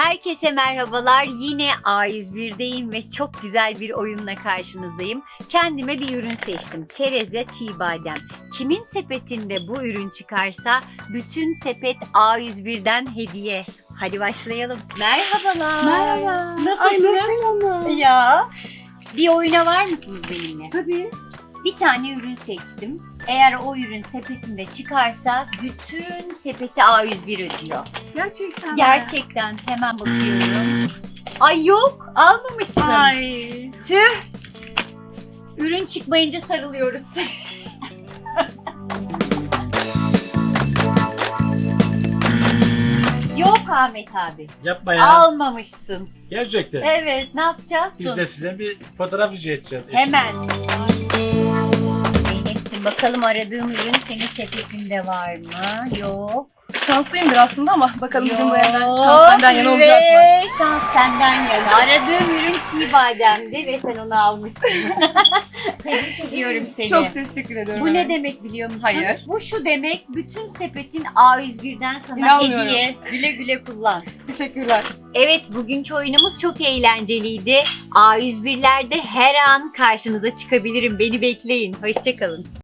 Herkese merhabalar. Yine A101'deyim ve çok güzel bir oyunla karşınızdayım. Kendime bir ürün seçtim. Çerez ya çiğ badem. Kimin sepetinde bu ürün çıkarsa bütün sepet A101'den hediye. Hadi başlayalım. Merhabalar. Merhaba. Nasılsınız? Ay nasıl ama? Ya. Bir oyuna var mısınız benimle? Tabii. Bir tane ürün seçtim. Eğer o ürün sepetinde çıkarsa bütün sepeti A101 ödüyor. Gerçekten mi? Gerçekten hemen bakıyorum. Ay yok, almamışsın. Ay. Tüh. Ürün çıkmayınca sarılıyoruz. Yok Ahmet abi. Yapma ya. Almamışsın. Gerçekten. Evet, ne yapacağız? Biz de size bir fotoğraf rica edeceğiz. Hemen. Zeynep'ciğim bakalım aradığım ürün senin sepetinde var mı? Yok. Şanslıyımdır aslında ama bakalım bugün bu evden Yok şans benden yana olacak mı? ve şans senden yana. Aradığım ürün çiğ bademdi ve sen onu almışsın. Tebrik ediyorum seni. Çok teşekkür ediyorum. Bu ne evet. demek biliyor musun? Hayır. Bu şu demek, bütün sepetin A101'den sana İnanmıyorum. hediye. Güle güle kullan. Teşekkürler. Evet, bugünkü oyunumuz çok eğlenceliydi. A101'lerde her an karşınıza çıkabilirim. Beni bekleyin. Hoşça kalın.